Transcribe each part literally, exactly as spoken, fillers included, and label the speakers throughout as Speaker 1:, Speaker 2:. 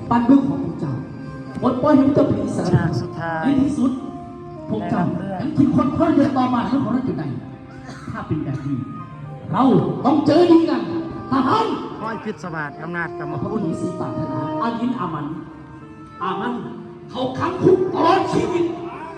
Speaker 1: บ้านเมืองของพวกเจ้าปลดปล่อยให้พวกเจ้าเป็นอิสระ
Speaker 2: สุดท้าย
Speaker 1: ในที่สุดพวกเจ้ายังคิดคนคนเดียวต่อมาทั้งของนั้นอยู่ไหนถ้าเป็นแบบนี้เราต้องเจอดีกันทหาร
Speaker 2: ห้อยพิศวาสอำนาจกรรม
Speaker 1: พระ
Speaker 2: คุ
Speaker 1: พุท
Speaker 2: ณ
Speaker 1: ธศรีปรารถนาอายินอามันอามันเขาขังคุกตลอดชีวิต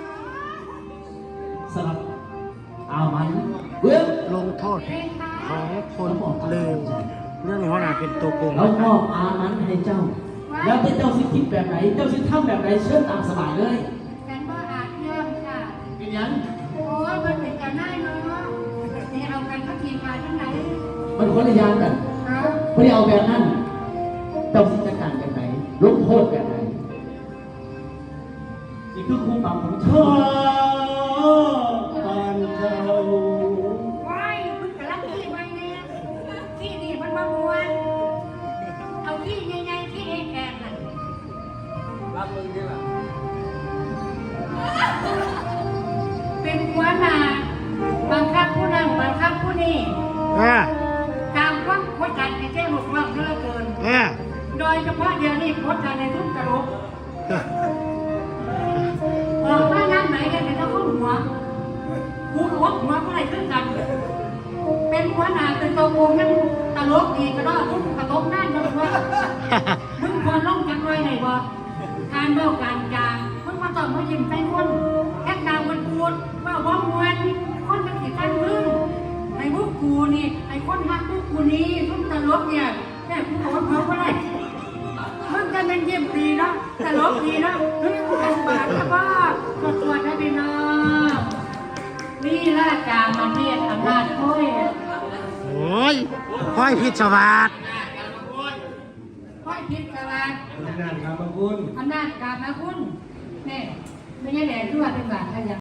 Speaker 1: สลับอามันเว้ย
Speaker 2: ลงโทษของคนเลวเรื่องนี้ว่าน่าเป็นตัวโกง
Speaker 1: เรามอบอามันให้เจ้า แล้วแต่เจ้าสิคิดแบบไหน เจ้าสิทำแบบไหนเชิญตามสบายเลย
Speaker 3: กันว่าอาจเยี่ยมค่ะ
Speaker 1: เป็นยัง
Speaker 3: โอ้ยมันเป็นกันได้เนาะนี่เอากันก็ทีมมาทั้งไหน
Speaker 1: มันคนละอยางกัน
Speaker 3: เอา
Speaker 1: ไม่ได้เอาแบบนั้นเจ้าสิจัดการแบบไหนลงโทษแบบไหนนี่คือครูปรับของเธอบ้านเจ้า
Speaker 3: ว้ายมันกำลังที่ไว้เนี่ยที่นี่มันมามวนเอาที่ใหญ่ๆที่เองแอนน่ะ
Speaker 2: รับมึงนี่แหละ
Speaker 3: เป็นหัวหน้าบังคับผู้นั่งบังคับผู้นี่
Speaker 2: เออ
Speaker 3: ตามความกดดันในแจ้งหกรอบเหลือเกิน
Speaker 2: เออ
Speaker 3: โดยเฉพาะเดี๋ยวนี้กดดันในทุกกระโหลกออกมาน้ำไหนกันเป็นเจ้าของหัวหัวหัวหัวเมื่อไรขึ้นกัน เป็นหัวหน้าเป็นตัวโกงยังตลกดีก็ได้ทุกกระทบนั่นเลยว่ามึงควรลงจังไรไหนบ่การเบ้าการจางมึงมาต่อมายิ้มใส่คนแค่ดาวมันปวดว่าว่ามวนคนมันติดกันมึงไอ้พวกกูนี่ไอ้คนฮักพวกกูนี่ทุกตลกเนี่ยแค่กูโกรธเขาก็ได้มึงจะเป็นยิ้มดีเนาะตลกดีเนาะมึงกูเป็นบาดนะบ้าตรวจตรวจได้ดีเนาะนี่ล่ะกามันเนี่ยอำนาจโอ้ย
Speaker 2: โอ้ยห้อยพิศวาส
Speaker 3: ค่อยพิจารณา
Speaker 1: อำนาจครับคุณ
Speaker 3: อำนาจการนะคุณเนี่ยไม่ใช่แหล่ด้วยเป็นบาทขยัน